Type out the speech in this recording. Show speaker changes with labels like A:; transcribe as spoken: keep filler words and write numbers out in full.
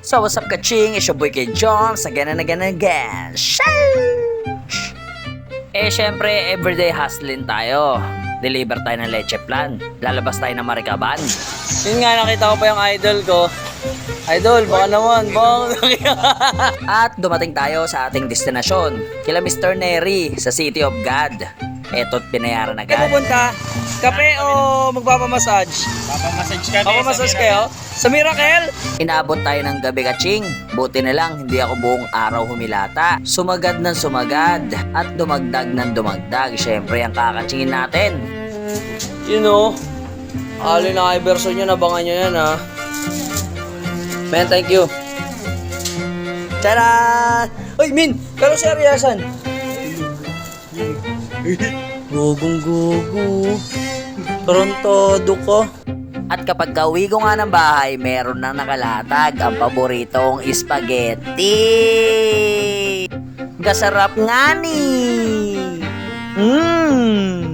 A: So what's up kaching? It's your boy kay Joms again and again and again. Sheesh! Eh syempre everyday hustling tayo. Deliver tayo ng leche plan. Lalabas tayo ng Marikaban.
B: Yun nga, nakita ko pa yung idol ko. Idol, baka naman, baka
A: At dumating tayo sa ating destinasyon. Kila Mister Neri sa City of God. Eto't pinayaran
B: Kayo
A: agad.
B: pupunta? Kape o magpapamassage?
C: Papamassage kami.
B: Papamassage kayo? Sa Miracle?
A: Inabot tayo ng gabi kaching. Buti na lang hindi ako buong araw humilata. Sumagad ng sumagad at dumagdag ng dumagdag. Siyempre ang kakachingin natin.
B: You know, alin na version nyo, nabangan nyo yan ha. Man, thank you. Tara! Uy, Min! Pero seryosan. Gugong gugu. Torontado ko.
A: At kapag kauwi ko nga ng bahay, meron nang nakalatag ang paboritong spaghetti. Gasarap nga ni. Mmm.